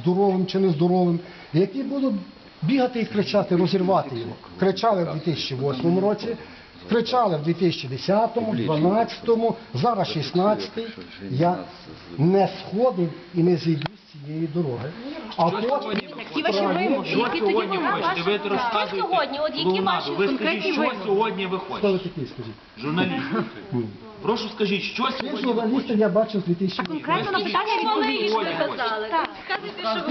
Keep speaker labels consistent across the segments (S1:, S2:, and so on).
S1: здоровим чи нездоровим, які будуть бігати і кричати, розірвати його. Кричали в 2008 році, кричали в 2010-му, 2012-му, зараз 16-й. Я не сходив і не зійду з цієї дороги. А потім...
S2: Які ваші вимоги?
S3: Що сьогодні хочете? Ви розказуєте
S2: сьогодні? От які
S3: клоунаду.
S2: ваші
S3: Ви скажіть,
S2: конкретні
S3: що
S2: вимоги?
S3: сьогодні ви
S1: Хто ви
S3: хочете?
S1: такий, скажіть?
S3: Журналіст. Прошу скажіть, що
S1: Цих
S3: сьогодні ви
S1: журналістів
S3: хочете?
S1: я бачив з 2008
S2: Конкретно на питання відповіді сказали. Сказуйте, що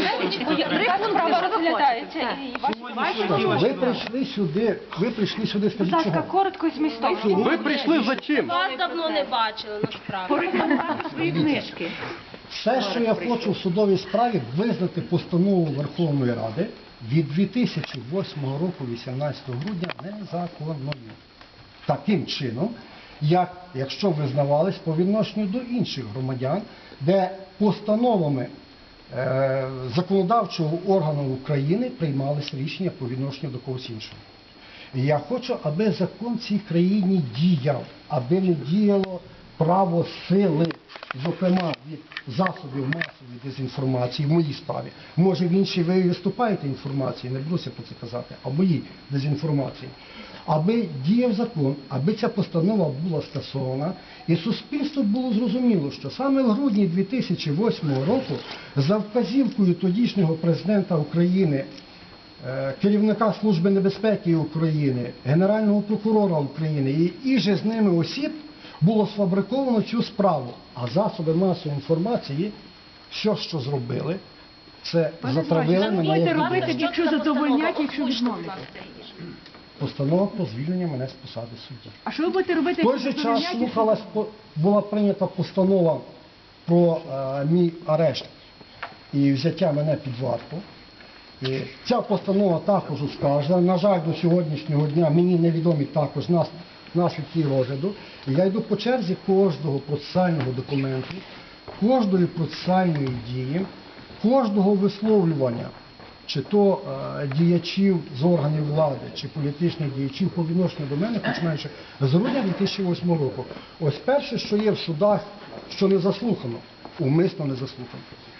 S1: ви прийшли сюди, скажіть чого?
S2: коротко і змістовно.
S4: Ви прийшли за чим?
S2: Вас давно не бачили, насправді. Порекомендувати свої книжки.
S1: Все, що я хочу в судовій справі, визнати постанову Верховної Ради від 2008 року, 18 грудня, незаконною. Таким чином, якщо визнавались по відношенню до інших громадян, де постановами законодавчого органу України приймались рішення по відношенню до когось іншого. І я хочу, аби закон в цій країні діяв, аби не діяло право сили, зокрема від засобів масової дезінформації в моїй справі. Може в іншій ви виступаєте інформації, не буду про це казати, а в моїй дезінформації. Аби діяв закон, аби ця постанова була скасована, і суспільство було зрозуміло, що саме в грудні 2008 року за вказівкою тодішнього президента України, керівника Служби небезпеки України, Генерального прокурора України і же з ними осіб було сфабриковано цю справу. А засоби масової інформації, все, що зробили, це затравили мене.
S2: Будете робити, якщо задовольнять, якщо відмовлять.
S1: Постанова про звільнення мене з посади судді.
S2: А що ви будете робити,
S1: В той же час була прийнята постанова про мій арешт і взяття мене під варту. І ця постанова також оскаржена. На жаль, до сьогоднішнього дня мені невідомі також наслідки розгляду. І я йду по черзі кожного процесуального документу, кожної процесуальної дії, кожного висловлювання, чи то діячів з органів влади, чи політичних діячів по відношенню до мене, починаючи з грудня 2008 року. Ось перше, що є в судах, що не заслухано, умисно не заслухано.